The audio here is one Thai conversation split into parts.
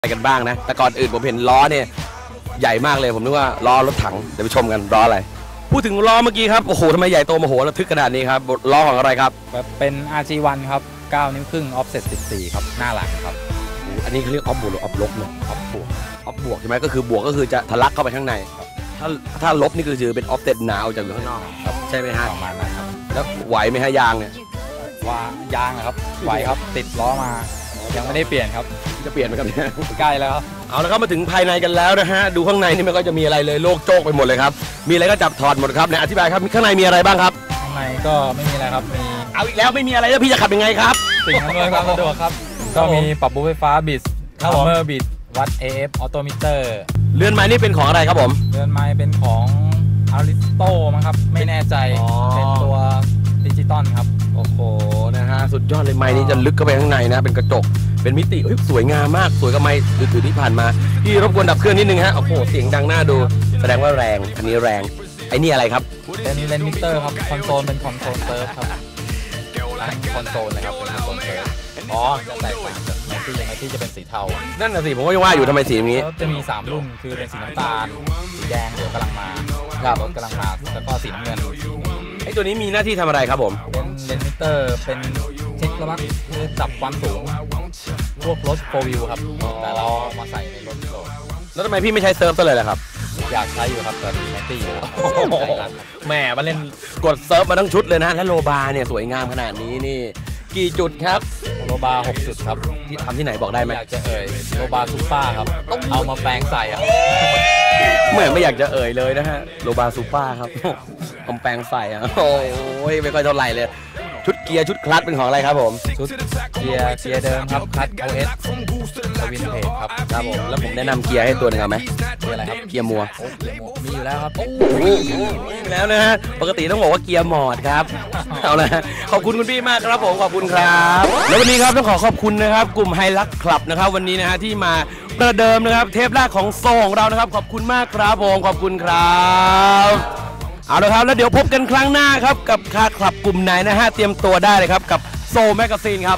ไปกันบ้างนะแต่ก่อนอื่นผมเห็นล้อเนี่ยใหญ่มากเลยผมนึกว่าล้อรถถังเดี๋ยวไปชมกันล้ออะไรพูดถึงล้อเมื่อกี้ครับโอ้โหทำไมใหญ่โตมโหระทึกขนาดนี้ครับล้อของอะไรครับเป็น RG1 ครับ9 นิ้วครึ่ง offset 14ครับหน้าหลังครับอันนี้เขาเรียกออฟบวกหรือออฟลบนะออฟบวกใช่ไหมก็คือบวกก็คือจะทะลักเข้าไปข้างในถ้าลบนี่คือเป็นออฟเซ็ตหนาวจากอยู่ข้างนอกใช่ไหมฮะประมาณนั้นครับแล้วไหวไหมฮะยางเนี่ยว่ายางนะครับไหวครับติดล้อมายังไม่ได้เปลี่ยนครับจะเปลี่ยนไหมครับเนี่ยใกล้แล้วครับเอาละครับมาถึงภายในกันแล้วนะฮะดูข้างในนี่มันก็จะมีอะไรเลยโลกโจกไปหมดเลยครับมีอะไรก็จับถอดหมดครับเนี่ยอธิบายครับข้างในมีอะไรบ้างครับข้างในก็ไม่มีอะไรครับมีเอาอีกแล้วไม่มีอะไรแล้วพี่จะขับยังไงครับสิ่งอำนวยความสะดวกครับก็มีปรับบูไฟฟ้าบิดคัมเมอร์บิดวัด AF ออโตมิเตอร์เรือนไม้นี่เป็นของอะไรครับผมเรือนไม้เป็นของอาริสโตมั้งครับไม่แน่ใจเป็นตัวดิจิตอลครับโอ้โหนะฮะสุดยอดเลยไม้นี้จะลึกเข้าไปข้างในนะเป็นกระจกเป็นมิติสวยงามมากสวยกับไม้ถือที่ผ่านมาพี่รบกวนดับเครื่องนิดนึงฮะโอ้โหเสียงดังน่าดูแสดงว่าแรงอันนี้แรงไอ้นี่อะไรครับเป็นเลนมิเตอร์ครับคอนโซลเป็นคอนโซลเซิร์ฟครับคอนโซลเลยครับเป็นคอนโซลเซิร์ฟจะแตกต่างจากแมทที่จะเป็นสีเทานั่นน่ะสิผมก็ยังว่าอยู่ทำไมสีนี้จะมี3รุ่นคือเป็นสีน้ำตาลสีแดงเดี๋ยวกำลังมาครับรถกำลังมาแล้วก็สีน้ำเงินไอ้ตัวนี้มีหน้าที่ทำอะไรครับผมเป็นเลนมิเตอร์เป็นเช็คระดับคือจับความสูงพวกรถโฟร์วิวครับแต่เรามาใส่ในรถโลแล้วทำไมพี่ไม่ใช้เซิร์ฟซะเลยล่ะครับอยากใช้อยู่ครับแต่แมตตี้อยู่แหมมาเล่นกดเซิร์ฟมาทั้งชุดเลยนะและโลบาเนี่ยสวยงามขนาดนี้นี่กี่จุดครับโลบา6 จุดครับที่ทำที่ไหนบอกได้ไหมอยากจะโลบาซูเปอร์ครับเอามาแปลงใส่อะเหมือนไม่อยากจะเลยนะฮะโลบาซูเปอร์ครับผมแปลงใส่อะโอ้ยไม่ค่อยเท่าไหร่เลยชุดเกียร์ชุดคลัตช์เป็นของอะไรครับผมชุดเกียร์เดิมครับคลัตช์ OS วินเทจครับครับผมแล้วผมแนะนำเกียร์ให้ตัวหนึ่งเอาไหมเกียร์อะไรครับเกียร์มัวมีอยู่แล้วครับแล้วนะฮะปกติต้องบอกว่าเกียร์มอดครับเอาละขอบคุณคุณพี่มากครับผมขอบคุณครับแล้ววันนี้ครับต้องขอบคุณนะครับกลุ่มไฮลักคลับนะครับวันนี้นะฮะที่มาประเดิมนะครับเทปแรกของโซของเรานะครับขอบคุณมากครับผมขอบคุณครับเอาละครับแล้วเดี๋ยวพบกันครั้งหน้าครับกับคาคลับกลุ่มไหนนะฮะเตรียมตัวได้เลยครับกับโซแมกกาซีนครับ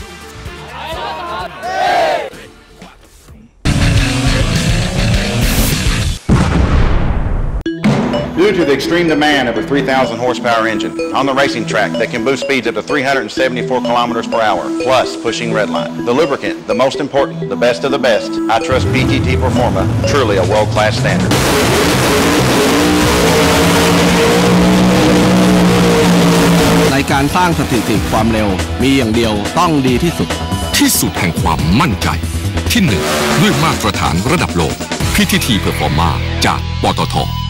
Due to the extreme demand of a 3,000 horsepower engine on the racing track that can boost speeds up to 374 kilometers per hour, plus pushing redline. The lubricant, the most important, the best of the best. I trust PTT Performa, truly a world-class standard. ในการสร้างสถิติความเร็วมีอย่างเดียวต้องดีที่สุดแห่งความมั่นใจที่1ด้วยมาตรฐานระดับโลก PTT Performa จากปตท.